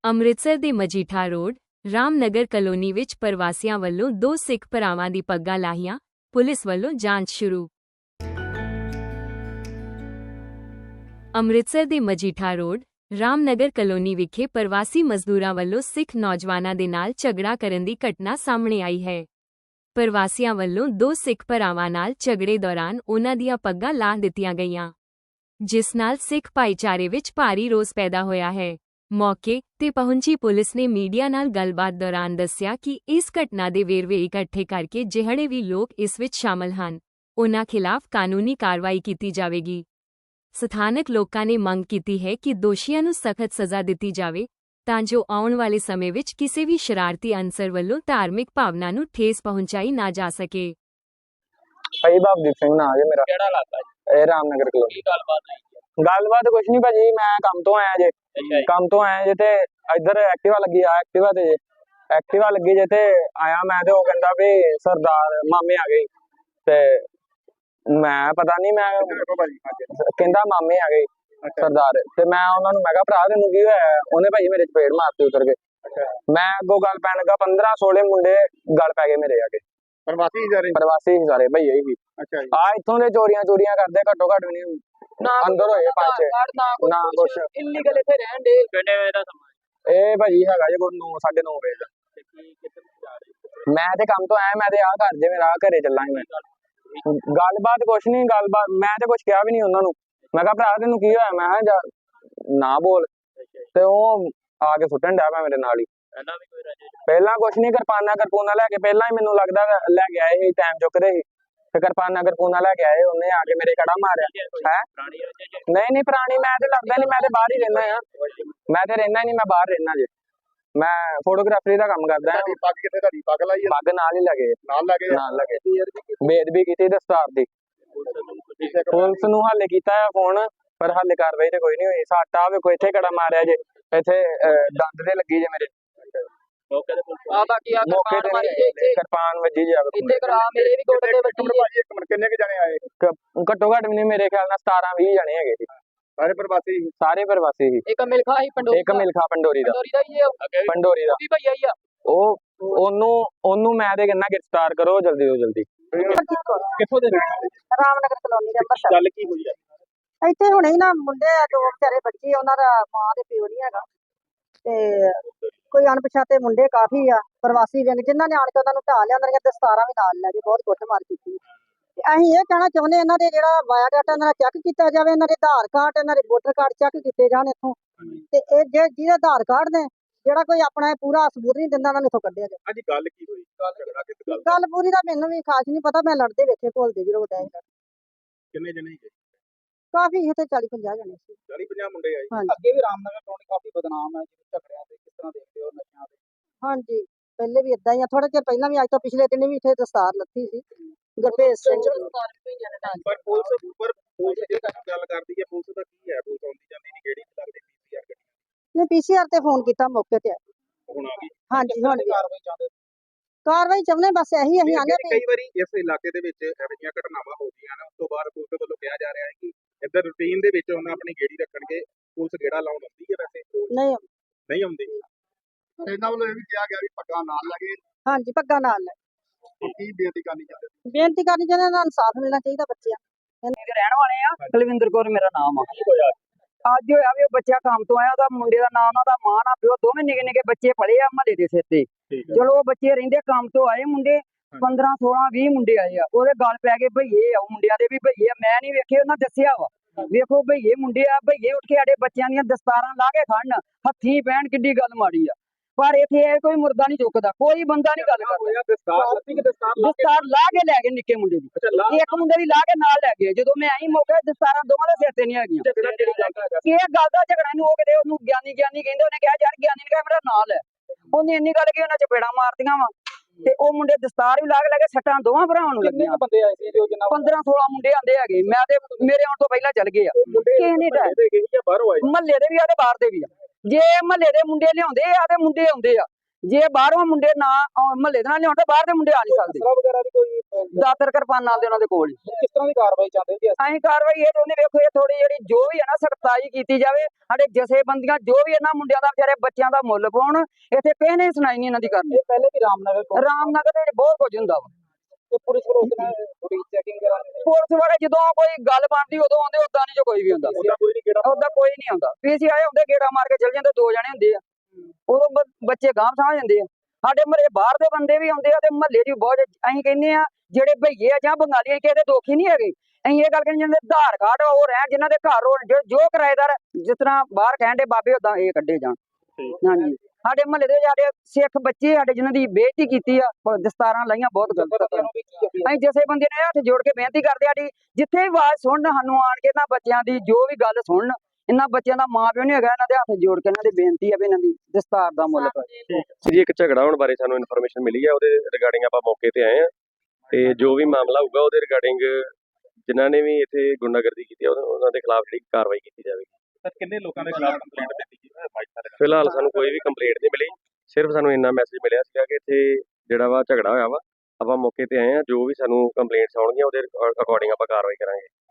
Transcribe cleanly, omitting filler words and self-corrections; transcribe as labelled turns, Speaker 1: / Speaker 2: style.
Speaker 1: ਅੰਮ੍ਰਿਤਸਰ ਦੇ Majitha road Ramnagar colony ਵਿੱਚ ਪ੍ਰਵਾਸੀਆਂ ਵੱਲੋਂ ਦੋ ਸਿੱਖ ਭਰਾਵਾਂ ਦੀ ਪੱਗਾਂ ਲਾਹੀਆਂ, ਪੁਲਿਸ ਵੱਲੋਂ ਜਾਂਚ ਸ਼ੁਰੂ। ਅੰਮ੍ਰਿਤਸਰ ਦੇ ਮਜੀਠਾ ਰੋਡ ਰਾਮਨਗਰ ਕਲੋਨੀ ਵਿਖੇ ਪ੍ਰਵਾਸੀ ਮਜ਼ਦੂਰਾਂ ਵੱਲੋਂ ਸਿੱਖ ਨੌਜਵਾਨਾਂ ਦੇ ਨਾਲ ਝਗੜਾ ਕਰਨ ਦੀ ਘਟਨਾ ਸਾਹਮਣੇ ਆਈ ਹੈ। ਪ੍ਰਵਾਸੀਆਂ ਵੱਲੋਂ ਦੋ ਸਿੱਖ ਭਰਾਵਾਂ ਨਾਲ ਝਗੜੇ ਦੌਰਾਨ ਉਨ੍ਹਾਂ ਦੀਆਂ ਪੱਗਾਂ ਲਾਹ ਦਿੱਤੀਆਂ ਗਈਆਂ, ਜਿਸ ਨਾਲ ਸਿੱਖ ਭਾਈਚਾਰੇ ਵਿੱਚ ਭਾਰੀ ਰੋਸ ਪੈਦਾ ਹੋਇਆ ਹੈ। ਮੌਕੇ ਤੇ ਪਹੁੰਚੀ ਪੁਲਿਸ ਨੇ ਮੀਡੀਆ ਨਾਲ ਗੱਲਬਾਤ ਦੌਰਾਨ ਦੱਸਿਆ ਕਿ ਇਸ ਘਟਨਾ ਦੇ ਵੇਰਵੇ ਇਕੱਠੇ ਕਰਕੇ ਜਿਹੜੇ ਵੀ ਲੋਕ ਇਸ ਵਿੱਚ ਸ਼ਾਮਲ ਹਨ, ਉਨ੍ਹਾਂ ਖਿਲਾਫ ਕਾਨੂੰਨੀ ਕਾਰਵਾਈ ਕੀਤੀ ਜਾਵੇਗੀ। ਸਥਾਨਕ ਲੋਕਾਂ ਨੇ ਮੰਗ ਕੀਤੀ ਹੈ ਕਿ ਦੋਸ਼ੀਆਂ ਨੂੰ ਸਖਤ ਸਜ਼ਾ ਦਿੱਤੀ ਜਾਵੇ ਤਾਂ ਜੋ ਆਉਣ ਵਾਲੇ ਸਮੇਂ ਵਿੱਚ ਕਿਸੇ ਵੀ ਸ਼ਰਾਰਤੀ ਅਨਸਰ ਵੱਲੋਂ ਧਾਰਮਿਕ ਭਾਵਨਾ ਨੂੰ ਠੇਸ ਪਹੁੰਚਾਈ ਨਾ ਜਾ ਸਕੇ।
Speaker 2: ਭਾਈ ਬਾਬਦੀਪ ਸਿੰਘ ਨਾਂ ਜੇ ਮੇਰਾ।
Speaker 3: ਕਿਹੜਾ ਇਲਾਕਾ ਜੀ?
Speaker 2: ਇਹ ਰਾਮਨਗਰ ਕਲੋਨੀ।
Speaker 3: ਕੀ ਗੱਲਬਾਤ ਹੈ?
Speaker 2: ਗੱਲਬਾਤ ਕੁਛ ਨਹੀਂ ਭਾਜੀ, ਮੈਂ ਕੰਮ ਤੋਂ ਆਇਆ ਜੇ। ਕੰਮ ਤੋਂ ਆਇਆ ਜੇ ਤੇ ਇੱਧਰ ਐਕਟਿਵਾ ਲੱਗੀ ਆ, ਐਕਟਿਵਾ ਲੱਗੀ ਜੇ ਤੇ ਆਇਆ ਮੈਂ ਤੇ ਉਹ ਕਹਿੰਦਾ ਵੀ ਸਰਦਾਰ ਮਾਮੇ ਆ ਗਏ ਤੇ ਮੈਂ ਪਤਾ ਨਹੀਂ, ਮੈਂ ਕਹਿੰਦਾ ਮਾਮੇ ਆ ਗਏ ਸਰਦਾਰ ਤੇ ਮੈਂ ਉਹਨਾਂ ਨੂੰ ਮੈਂ ਕਿਹਾ ਭਰਾ ਤੈਨੂੰ ਕੀ ਹੋਇਆ? ਉਹਨੇ ਭਾਜੀ ਮੇਰੇ ਚਪੇੜ ਮਾਰਤੀ ਉਤਰ ਕੇ। ਮੈਂ ਅੱਗੋਂ ਗੱਲ ਪੈਣ ਲੱਗਾ, 15-16 ਮੁੰਡੇ ਗੱਲ ਪੈ ਗਏ ਮੇਰੇ ਆ ਕੇ। ਪ੍ਰਵਾਸੀ ਸਾਰੇ ਭਈਏ ਹੀ ਆ ਇੱਥੋਂ ਦੇ ਚੋਰੀਆਂ ਕਰਦੇ, ਘੱਟੋ ਘੱਟ ਵੀ ਨਹੀਂ ਅੰਦਰ ਹੋਏ 5-6 ਨਾ ਕੁਛ
Speaker 3: ਇਲੀਗਲ ਇੱਥੇ ਰਹਿਣ ਦੇ। ਕਿੰਨੇ ਵਜੇ ਦਾ ਸਮਾਂ?
Speaker 2: ਇਹ ਭਾਜੀ ਹੈਗਾ ਜੇ ਕੋਈ 9-9:30 ਵਜੇ ਦਾ। ਮੈਂ ਤੇ ਕੰਮ ਤੋਂ ਆਇਆ, ਮੈਂ ਤੇ ਆਹ ਘਰ ਜੇ ਮੇਰਾ ਘਰੇ ਚੱਲਾਂਗੇ। ਮੈਂ ਗੱਲਬਾਤ ਕੁਛ ਨਹੀਂ, ਗੱਲਬਾਤ ਮੈਂ ਤੇ ਕੁਛ ਕਿਹਾ ਵੀ ਨਹੀਂ ਉਹਨਾਂ ਨੂੰ। ਮੈਂ ਕਿਹਾ ਭਰਾ ਤੈਨੂੰ ਕੀ ਹੋਇਆ? ਮੈਂ ਕਿਹਾ ਨਾ ਬੋਲ ਤੇ ਉਹ ਆ ਕੇ ਸੁੱਟਣ ਡਿਆ ਪਿਆ ਮੇਰੇ ਨਾਲ ਹੀ। ਪਹਿਲਾਂ ਕੁਛ ਨਹੀਂ, ਕਿਰਪਾਨਾ ਲੈ ਕੇ ਪਹਿਲਾਂ ਹੀ ਮੈਨੂੰ ਲੱਗਦਾ ਲੈ ਕੇ ਆਏ ਸੀ, ਟਾਈਮ ਚੁੱਕਦੇ ਸੀ ਤੇ ਕਿਰਪਾਨਾ ਲੈ ਕੇ ਆਏ। ਉਹਨੇ ਆ ਕੇ ਮੇਰੇ ਕੜਾ ਮਾਰਿਆ ਹੈ। ਨਹੀਂ ਪੁਰਾਣੀ ਮੈਂ ਤੇ ਲੱਗਦਾ ਨਹੀਂ, ਮੈਂ ਤੇ ਬਾਹਰ ਹੀ ਰਹਿਣਾ ਆ। ਮੈਂ ਤੇ ਰਹਿਣਾ ਨਹੀਂ, ਮੈਂ ਬਾਹਰ ਰਹਿਣਾ ਜੇ। ਮੈਂ ਫੋਟੋਗ੍ਰਾਫਰੀ ਦਾ ਕੰਮ ਕਰਦਾ। ਪੱਗ ਨਾਲ ਹੀ ਲੱਗੇ ਬੇਅਦਬੀ ਕੀਤੀ ਦਸਤਾਰ ਦੀ। ਪੁਲਿਸ ਨੂੰ ਹਾਲੇ ਕੀਤਾ ਆ ਫੋਨ, ਪਰ ਹਾਲੇ ਕਾਰਵਾਈ ਤੇ ਕੋਈ ਨਹੀਂ ਹੋਈ। ਸੱਟ ਆ ਵੇਖੋ, ਇੱਥੇ ਕੜਾ ਮਾਰਿਆ ਜੇ, ਇੱਥੇ ਦੰਦ ਤੇ ਲੱਗੀ ਜੇ ਮੇਰੇ। ਕਿਰਪਾਨ ਵੱਜੀ ਜੇ
Speaker 4: ਕਿੰਨੇ ਕੁ ਜਣੇ ਆਏ?
Speaker 2: ਘੱਟੋ ਘੱਟ ਵੀ ਮੇਰੇ ਖਿਆਲ ਨਾਲ 17-20 ਜਣੇ ਹੈਗੇ ਸੀ। ਸਾਰੇ ਪ੍ਰਵਾਸੀ ਸੀ।
Speaker 3: ਇੱਕ ਮਿਲਖਾ ਹੀ ਪੰਡੋਰੀ
Speaker 2: ਇੱਕ ਮਿਲਖਾ ਪੰਡੋਰੀ ਦਾ
Speaker 3: ਵੀ ਭਈਆ ਹੀ ਆ।
Speaker 2: ਉਹਨੂੰ ਮੈਂ ਤੇ ਕਹਿੰਦਾ ਗ੍ਰਿਫਤਾਰ ਕਰੋ ਜਲਦੀ ਤੋਂ ਜਲਦੀ।
Speaker 4: ਕਿੱਥੋਂ ਦੇ
Speaker 5: ਰਾਮਨਗਰ ਕਲੋਨੀ ਦੇ ਅੰਮ੍ਰਿਤਸਰ।
Speaker 4: ਗੱਲ ਕੀ ਹੋਈ ਹੈ?
Speaker 5: ਇੱਥੇ ਹੁਣੇ ਹੀ ਨਾ ਮੁੰਡੇ ਦੋ ਵਿਚਾਰੇ ਬੱਚੇ, ਉਹਨਾਂ ਦਾ ਮਾਂ ਤੇ ਪਿਓ ਨਹੀਂ ਹੈਗਾ ਤੇ ਕੋਈ ਅਣਪਛਾਤੇ ਮੁੰਡੇ ਕਾਫੀ ਆ ਪ੍ਰਵਾਸੀ ਵਿੰਗ, ਜਿਨ੍ਹਾਂ ਨੇ ਆਣ ਕੇ ਉਹਨਾਂ ਨੂੰ ਢਾਹ ਲਿਆ। ਉਹਨਾਂ ਦੀਆਂ ਦਸਤਾਰਾਂ ਵੀ ਨਾਲ ਲੈ ਕੇ ਬਹੁਤ ਕੁੱਟਮਾਰ ਕੀਤੀ। ਅਸੀਂ ਇਹ ਕਹਿਣਾ ਚਾਹੁੰਦੇ ਇਹਨਾਂ ਦੇ ਜਿਹੜਾ ਬਾਇਓਡਾਟਾ ਇਹਨਾਂ ਦਾ ਚੈੱਕ ਕੀਤਾ ਜਾਵੇ, ਇਹਨਾਂ ਦੇ ਆਧਾਰ ਕਾਰਡ, ਇਹਨਾਂ ਦੇ ਵੋਟਰ ਕਾਰਡ ਚੈੱਕ ਕੀਤੇ ਜਾਣ ਇੱਥੋਂ। ਤੇ ਇਹ ਜਿਹਦੇ ਆਧਾਰ ਕਾਰਡ ਨੇ ਜਿਹੜਾ ਕੋਈ ਆਪਣਾ ਪੂਰਾ ਸਬੂਤ ਨਹੀਂ ਦਿੰਦਾ, ਉਹਨਾਂ ਨੂੰ ਇੱਥੋਂ ਕੱਢਿਆ ਜਾਵੇ।
Speaker 4: ਅੱਜ ਗੱਲ ਕੀ ਹੋਈ?
Speaker 5: ਗੱਲ ਪੂਰੀ ਦਾ ਮੈਨੂੰ ਵੀ ਖਾਸ ਨਹੀਂ ਪਤਾ, ਮੈਂ ਲੜਦੇ ਵੇਖੇ ਘੁਲਦੇ ਜਦੋਂ ਡੈ
Speaker 4: ਕਿੰਨੇ ਜਣੇ ਗਏ?
Speaker 5: ਕਾਫੀ ਇੱਥੇ 40-50 ਜਣੇ ਸੀ।
Speaker 4: 40-50 ਮੁੰਡੇ ਆਏ।
Speaker 5: ਹਾਂਜੀ
Speaker 3: ਅੱਗੇ ਵੀ ਰਾਮਨਗਰ ਕਲੋਨੀ ਕਾਫੀ ਬਦਨਾਮ ਹੈ ਝਗੜਿਆਂ ਤੇ, ਕਿਸ ਤਰ੍ਹਾਂ ਦੇਖਦੇ ਹੋ ਨਸ਼ਿਆਂ ਤੇ?
Speaker 5: ਹਾਂਜੀ, ਪਹਿਲੇ ਵੀ ਇਦਾਂ ਹੀ ਆ। ਥੋੜਾ ਚਿਰ ਪਹਿਲਾਂ ਵੀ, ਅੱਜ ਤੋਂ ਪਿਛਲੇ ਦਿਨ ਵੀ ਇੱਥੇ ਦਸਤਾਰ ਲੱਥੀ ਸੀ ਗੁਰਭੇਜ ਸਿੰਘ।
Speaker 4: ਪਰ ਪੁਲਿਸ ਜੇ ਗੱਲ ਕਰਦੀ ਹੈ, ਪੁਲਿਸ ਦਾ ਕੀ ਹੈ? ਪੁਲਿਸ ਆਉਂਦੀ ਜਾਂਦੀ ਨਹੀਂ, ਕਿਹੜੀ ਲੱਗਦੀ ਪੀਸੀਆਰ ਗੱਡੀ?
Speaker 5: ਨੇ ਪੀਸੀਆਰ ਤੇ ਫੋਨ ਕੀਤਾ, ਮੌਕੇ ਤੇ ਆਏ।
Speaker 4: ਹੁਣ ਆ ਗਈ?
Speaker 5: ਹਾਂਜੀ, ਹੁਣ
Speaker 3: ਕਾਰਵਾਈ
Speaker 5: ਚਾਹੁੰਦੇ ਬਸ ਇਹੀ ਅਸੀਂ ਆਨੇ ਵੀ।
Speaker 4: ਕਈ ਵਾਰੀ ਇਸ ਇਲਾਕੇ ਦੇ ਵਿੱਚ ਇਹੋ ਜਿਹੀਆਂ ਘਟਨਾਵਾਂ ਹੋ ਗਈਆਂ ਨੇ, ਉਸ ਤੋਂ ਬਾਅਦ ਪੁਲਿਸ ਵੱਲੋਂ ਕਿਹਾ ਜਾ ਰਿਹਾ ਹੈ ਕਿ ਇੱਧਰ ਰੂਟੀਨ ਦੇ ਵਿੱਚ ਉਹਨਾਂ ਆਪਣੀ ਗੇੜੀ ਰੱਖਣਗੇ। ਪੁਲਿਸ ਗੇੜਾ ਲਾਉਣ ਆਉਂਦੀ ਹੈ? ਵੈਸੇ ਨਹੀਂ ਆਉਂਦੀ। ਇਹਨਾਂ ਵੱਲੋਂ ਇਹ ਵੀ ਕਿਹਾ ਗਿਆ ਵੀ ਪੱਗਾਂ ਨਾਲ ਲੱਗੇ।
Speaker 5: ਹਾਂਜੀ, ਪੱਗਾਂ ਨਾਲ ਲੈ।
Speaker 4: ਕੀ ਬੇਨਤੀ ਕਰਨੀ ਚਾਹੁੰਦੇ?
Speaker 5: ਬੇਨਤੀ ਕਰਨੀ ਚਾਹੁੰਦੇ, ਇਹਨਾਂ ਨੂੰ ਇਨਸਾਫ ਮਿਲਣਾ ਚਾਹੀਦਾ ਬੱਚਿਆਂ
Speaker 6: ਦੇ ਰਹਿਣ ਵਾਲੇ ਆ। ਕੁਲਵਿੰਦਰ ਕੌਰ ਮੇਰਾ ਨਾਮ ਆ। ਅੱਜ ਹੋਇਆ ਵੀ ਉਹ ਬੱਚਾ ਕੰਮ ਤੋਂ ਆਇਆ, ਉਹਦਾ ਮੁੰਡੇ ਦਾ ਨਾਮ, ਉਹਦਾ ਮਾਂ ਨਾ ਪਿਓ, ਦੋਵੇਂ ਨਿੱਕੇ ਬੱਚੇ ਪੜੇ ਆ ਮਹੱਲੇ ਦੇ ਸਿਰ ਤੇ। ਚਲੋ ਉਹ ਬੱਚੇ ਰਹਿੰਦੇ ਕੰਮ ਤੋਂ ਆਏ ਮੁੰਡੇ 15-16-20 ਮੁੰਡੇ ਆਏ ਆ, ਉਹਦੇ ਗੱਲ ਪੈ ਗਏ ਭਈਏ ਆ। ਉਹ ਮੁੰਡਿਆਂ ਦੇ ਵੀ ਭਈਏ ਆ, ਮੈਂ ਨਹੀਂ ਵੇਖੇ, ਉਹਨਾਂ ਦੱਸਿਆ ਵਾ। ਵੇਖੋ ਭਈਏ ਮੁੰਡੇ ਆ, ਭਈਏ ਉੱਠ ਕੇ ਸਾਡੇ ਬੱਚਿਆਂ ਦੀਆਂ ਦਸਤਾਰਾਂ ਲਾ ਕੇ ਖੜਨ, ਹੱਥੀਂ ਪੈਣ, ਕਿੱਡੀ ਗੱਲ ਮਾੜੀ ਆ। ਪਰ ਇੱਥੇ ਇਹ ਕੋਈ ਮੁਰਦਾ ਨਹੀਂ ਚੁੱਕਦਾ, ਕੋਈ ਬੰਦਾ ਨਹੀਂ ਗੱਲ ਕਰਦਾ। ਦਸਤਾਰ ਲਾ ਕੇ ਲੈ ਗਏ ਨਿੱਕੇ ਮੁੰਡੇ ਦੀ, ਇੱਕ ਮੁੰਡੇ ਦੀ ਲਾ ਕੇ ਨਾਲ ਲੈ ਗਏ। ਜਦੋਂ ਮੈਂ ਆਈ ਮੌਕੇ ਦਸਤਾਰਾਂ ਦੋਵਾਂ ਦੇ ਸਿਰ ਤੇ ਨਹੀਂ ਹੈਗੀਆਂ। ਇਹ ਗੱਲ ਦਾ ਝਗੜਾ ਨੂੰ ਉਹ ਕਿਤੇ ਉਹਨੂੰ ਗਿਆਨੀ ਕਹਿੰਦੇ, ਉਹਨੇ ਕਿਹਾ ਯਾਰ ਗਿਆਨੀ ਨੇ ਕਿਹਾ ਮੇਰਾ ਨਾਲ ਹੈ। ਉਹਨੇ ਇੰਨੀ ਗੱਲ ਕਿ ਉਹਨਾਂ ਚਪੇੜਾਂ ਮਾਰਦੀਆਂ ਵਾ ਤੇ ਉਹ ਮੁੰਡੇ ਦਸਤਾਰ ਵੀ ਲਾ ਕੇ ਲੈ ਕੇ ਸੱਟਾਂ ਦੋਵਾਂ ਭਰਾਵਾਂ ਨੂੰ ਲੱਗੀਆਂ। 15-16 ਮੁੰਡੇ ਆਂਦੇ ਹੈਗੇ, ਮੈਂ ਤੇ ਮੇਰੇ ਆਉਣ ਤੋਂ ਪਹਿਲਾਂ ਚੱਲ ਗਏ ਆ। ਕਿਸੇ ਨੇ ਮਹੱਲੇ ਦੇ ਵੀ ਆ ਤੇ ਬਾਹਰ ਦੇ ਵੀ ਆ। ਜੇ ਮਹੱਲੇ ਦੇ ਮੁੰਡੇ ਲਿਆਉਂਦੇ ਆ ਤੇ ਮੁੰਡੇ ਆਉਂਦੇ ਆ, ਜੇ ਬਾਹਰੋਂ ਮੁੰਡੇ ਨਾ ਮਹੱਲੇ ਦੇ ਨਾਲ ਨਹੀਂ ਆਉਂਦੇ ਬਾਹਰ ਦੇ ਮੁੰਡੇ ਆ ਨਹੀਂ ਸਕਦੇ।
Speaker 3: ਅਸਲਾ ਵਗੈਰਾ ਵੀ ਕੋਈ
Speaker 6: ਦਾਤਰ ਕਿਰਪਾਨ ਨਾਲ ਦੇ ਉਹਨਾਂ ਦੇ ਕੋਲ ਹੀ।
Speaker 3: ਕਿਸ ਤਰ੍ਹਾਂ ਦੀ ਕਾਰਵਾਈ ਚਾਹੁੰਦੇ ਜੀ?
Speaker 6: ਅਸੀਂ ਕਾਰਵਾਈ ਇਹ ਚਾਹੁੰਦੇ ਵੇਖੋ ਇਹ ਥੋੜੀ ਜਿਹੜੀ ਜੋ ਵੀ ਹੈ ਨਾ ਸਖਤਾਈ ਕੀਤੀ ਜਾਵੇ। ਸਾਡੇ ਜਥੇਬੰਦੀਆਂ ਜੋ ਵੀ ਇਹਨਾਂ ਮੁੰਡਿਆਂ ਦਾ ਵਿਚਾਰੇ ਬੱਚਿਆਂ ਦਾ ਮੁੱਲ ਪਾਉਣ। ਇੱਥੇ ਕਿਸੇ ਨੇ ਸੁਣਾਈ ਨਹੀਂ ਇਹਨਾਂ ਦੀ ਕਰਨੀ।
Speaker 3: ਇਹ ਪਹਿਲੇ ਵੀ ਰਾਮਨਗਰ
Speaker 6: ਰਾਮਨਗਰ ਦੇ ਵਿੱਚ ਬਹੁਤ ਕੁਝ ਹੁੰਦਾ ਵਾ।
Speaker 3: ਤੇ ਪੁਲਿਸ ਵੱਲੋਂ ਉਸ ਨਾਲ ਥੋੜੀ ਚੈਕਿੰਗ ਕਰਾਂਗੇ।
Speaker 6: ਪੁਲਿਸ ਵਾਲੇ ਜਦੋਂ ਕੋਈ ਗੱਲ ਬਣਦੀ ਉਦੋਂ ਆਉਂਦੇ, ਉਦਾਂ ਨਹੀਂ ਜੋ ਕੋਈ ਵੀ ਹੁੰਦਾ।
Speaker 3: ਉਹਦਾ ਕੋਈ ਨਹੀਂ ਕਿਹੜਾ
Speaker 6: ਉਦਾਂ ਕੋਈ ਨਹੀਂ ਆਉਂਦਾ। ਪੀਸੀਆਈ ਹੁੰਦੇ ਗੇੜਾ ਮਾਰ ਕੇ ਚਲ ਜਾਂਦੇ, 2 ਜਣੇ ਹੁੰਦੇ ਆ। ਉਦੋਂ ਬੱਚੇ ਗਾਂਹ ਸਮਝ ਜਾਂਦੇ ਆ। ਸਾਡੇ ਮਹੱਲੇ ਬਾਹਰ ਦੇ ਬੰਦੇ ਵੀ ਆਉਂਦੇ ਆ ਤੇ ਮਹੱਲੇ ਦੀ ਬਹੁਤ ਅਸੀਂ ਕਹਿੰਦੇ ਆ ਜਿਹੜੇ ਭਈਏ ਆ ਜਾਂ ਬੰਗਾਲੀ ਕਿਸੇ ਦੇ ਦੋਖੀ ਨਹੀਂ ਹੈਗੇ। ਅਸੀਂ ਇਹ ਗੱਲ ਕਹਿੰਦੇ ਜਿਹਨਾਂ ਦੇ ਆਧਾਰ ਕਾਰਡ ਉਹ ਰਹਿਣ, ਜਿਨ੍ਹਾਂ ਦੇ ਘਰ ਹੋਣ, ਜੋ ਕਿਰਾਏਦਾਰ ਜਿਸ ਤਰ੍ਹਾਂ ਬਾਹਰ ਕਹਿੰਦੇ ਬਾਬੇ ਉਦਾਂ ਇਹ ਕੱਢੇ ਜਾਣ। ਹਾਂਜੀ ਸਾਡੇ ਮਹੱਲੇ ਦੇ ਸਾਡੇ ਸਿੱਖ ਬੱਚੇ ਸਾਡੇ ਜਿਨ੍ਹਾਂ ਦੀ ਬੇਇੱਜ਼ਤੀ ਕੀਤੀ ਆ, ਦਸਤਾਰਾਂ ਲਾਈਆਂ, ਬਹੁਤ ਗਲਤ। ਅਸੀਂ ਜਿਸੇ ਬੰਦੇ ਨੇ ਹੱਥ ਜੋੜ ਕੇ ਬੇਨਤੀ ਕਰਦੇ ਆ ਜਿੱਥੇ ਵੀ ਆਵਾਜ਼ ਸੁਣਨ ਸਾਨੂੰ ਆਣ ਕੇ ਇਹਨਾਂ ਬੱਚਿਆਂ ਦੀ ਜੋ ਵੀ ਗੱਲ ਸੁਣਨ। ਇਹਨਾਂ ਬੱਚਿਆਂ ਦਾ ਮਾਂ ਪਿਓ ਨਹੀਂ ਹੈਗਾ, ਇਹਨਾਂ ਦੇ ਹੱਥ ਜੋੜ ਕੇ ਇਹਨਾਂ ਦੀ ਬੇਨਤੀ ਆ ਵੀ ਇਹਨਾਂ ਦੀ ਦਸਤਾਰ ਦਾ ਮੁੱਲ ਪਾਓ।
Speaker 7: ਜੀ ਇੱਕ ਝਗੜਾ ਹੋਣ ਬਾਰੇ ਸਾਨੂੰ ਇਨਫੋਰਮੇਸ਼ਨ ਮਿਲੀ ਹੈ, ਉਹਦੇ ਰਿਗਾਰਡਿੰਗ ਆਪਾਂ ਮੌਕੇ ਤੇ ਆਏ ਆ ਤੇ ਜੋ ਵੀ ਮਾਮਲਾ ਹੋਊਗਾ ਉਹਦੇ ਰਿਗਾਰਡਿੰਗ ਜਿਨ੍ਹਾਂ ਨੇ ਵੀ ਇੱਥੇ ਗੁੰਡਾਗਰਦੀ ਕੀਤੀ ਉਹਨਾਂ ਦੇ ਖਿਲਾਫ ਜਿਹੜੀ ਕਾਰਵਾਈ ਕੀਤੀ ਜਾਵੇਗੀ।
Speaker 4: ਸਰ ਕਿੰਨੇ ਲੋਕਾਂ ਦੇ ਖਿਲਾਫ ਕੰਪਲੇਂਟ ਦਿੱਤੀ ਗਈ?
Speaker 7: ਫਿਲਹਾਲ ਸਾਨੂੰ ਕੋਈ ਵੀ ਕੰਪਲੇਂਟ ਨਹੀਂ ਮਿਲੀ, ਸਿਰਫ ਸਾਨੂੰ ਇੰਨਾ ਮੈਸੇਜ ਮਿਲਿਆ ਸੀਗਾ ਕਿ ਇੱਥੇ ਜਿਹੜਾ ਵਾ ਝਗੜਾ ਹੋਇਆ ਵਾ। ਆਪਾਂ ਮੌਕੇ ਤੇ ਆਏ ਆ, ਜੋ ਵੀ ਸਾਨੂੰ ਕੰਪਲੇਂਟਸ ਆਉਣਗੀਆਂ ਉਹਦੇ ਅਕੋਰਡਿੰਗ ਆਪਾਂ ਕਾਰਵਾਈ ਕਰਾਂਗੇ।